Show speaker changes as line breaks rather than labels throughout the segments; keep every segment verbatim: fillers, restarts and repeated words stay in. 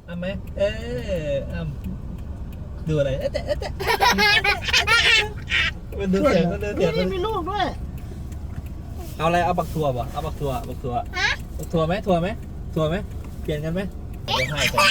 เอาไหมเออเอาดูอะไรเอ๊ะแต่เอ๊ะแต่มันดูเสียงมันดูเสียง
นี่มีลูกด้วย
เอาอะไรเอาบักทัวบ่เอาบักทัวบักทัวบักทัวไหมทัวไหมทัวไหมเปลี่ยนกันไหมเดี๋ยวให้กัน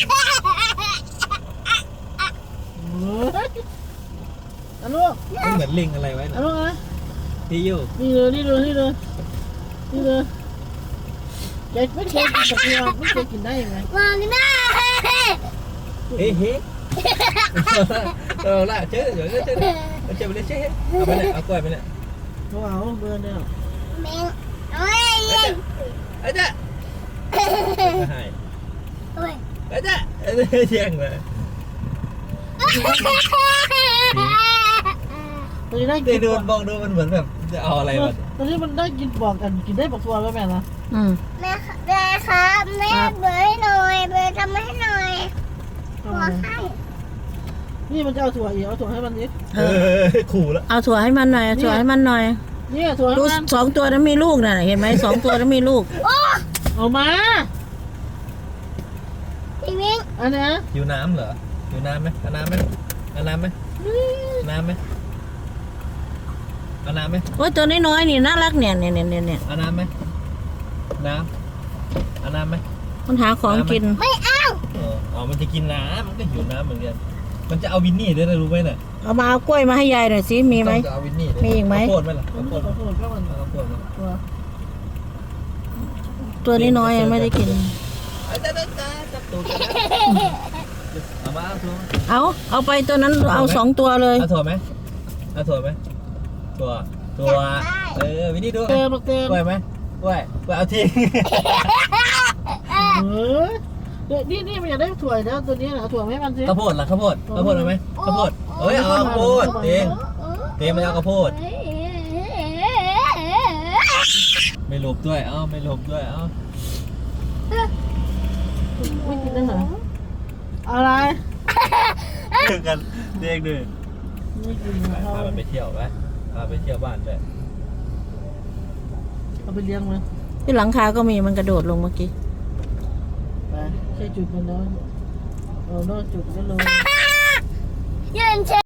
เอาลูก
มันเหมือนลิงอะไรไว้
เอา
นะ
ลูกนะ
ที่อยู่
นี่เลยนี่เลยนี่เลยนี่เลยแกไม่เคยกินตะเกียบไม่เคยกินได้ยังไง
มองหน้า
เฮ้เฮ้เออละเจ๊เดี๋ยวเจ๊เจ๊เจ๊ไปเลยเจ๊เอาไปเลยเอากล้วยไปเลย
เขาเอาเบอร์เนี่ย
แมงเอ้ย
ไอ้เจ๊ให้
โอ้ย
ไอ้เจ๊ไอ้เจ๊เชียงเลย
ตอนนี้ได้
เดี๋
กิ
ยวน ดูมองดูมันเหมือนแบบจะเอาอะไรมา
ตอนนี้มันได้กินบอกกันกินได้บอกตัวแล้วแม่นะ
อืม
แม่แม่ครับแม่เบยหน่อยเบยทำให้หน่อยขอให้
นี่มันจะเอาถั่วอีกเอาถั่วให้มันดิ
เออขู่แล้ว
เอาถั่วให้มันหน่อยเอาถั่วให้มันหน่อย
นี่ถั่วให้
ดู
มัน
สองตัวนั้นมีลูกน่ะเห็นไหมสองตัวนั้นมีลูก
เอามา
พี่มิ้ง
อันนี้
อยู่น้ำเหรออยู่น้ำไหมเอาน้ำไหมเอาน้ำไหมน้ำไหมเอาน้ำไหม
โอ้ยตัวน้อยๆนี่น่ารักเนี่ยเนี่ยเนี่ยเนี่ย
เอาน้ำไหมน้ำเอาน้ำไหม
มันหาของกิน
ไม่เอา
เอออ๋อมันจะกินน้ำมันก็หิวน้ำเหมือนกันมันจะเอาวินนี่ด้วยนะรู้ไหมเนี่ย
เอามาเอากล้วยมาให้ยายหน่อยสิมีไหม
จะเอาวินนี่
มีอีกไหม
ข้าวโพดไหมล่ะ
มั
ข้าน วโพ
ไม่
ด
ขอโทษก็มัน
ข้าวโพดไหม
ตัว
ตัวน้อยๆยังไม่ได้กิน
เอาจ้าจ้าจ้าจับตูดกันนะเอามาเอาถั่ว
เอาเอาไปตัวนั้นเอาสองตัวเลย
เอาถั่วไหมเอาถั่วไหมถั่วถั่วเออวินนี่ดู
เต็มเต็ม
กล้วยไหมกล้วยกล้วยเอาทิ้ง
เออนี่นี่มันอยากได้ถั่วแล้วตัวนี้นะถั่วให้มันสิ
ข้าวโพดล่ะข้าวโพดข้าวโพดเอาไหมข้าวโพดเอ้ยเอาข้าวโพดเองเองมันเอาข้าวโพดไม่หลบด้วยเอ้าไม่หลบด้วยเอ้า
ไม่กินได้เหรออะไร
เจอกันเด็กด้วย
ไม่กิน
ไป
เขา
พามันไปเที่ยวไปพาไปเที่ยวบ้านด้วย
เอาไปเลี้ยงมัน
ที่หลังคาก็มีมันกระโดดลงเมื่อกี้
ไปแค่จุดมันแล้วเอานอกจุดก็ลง
ยืนเฉย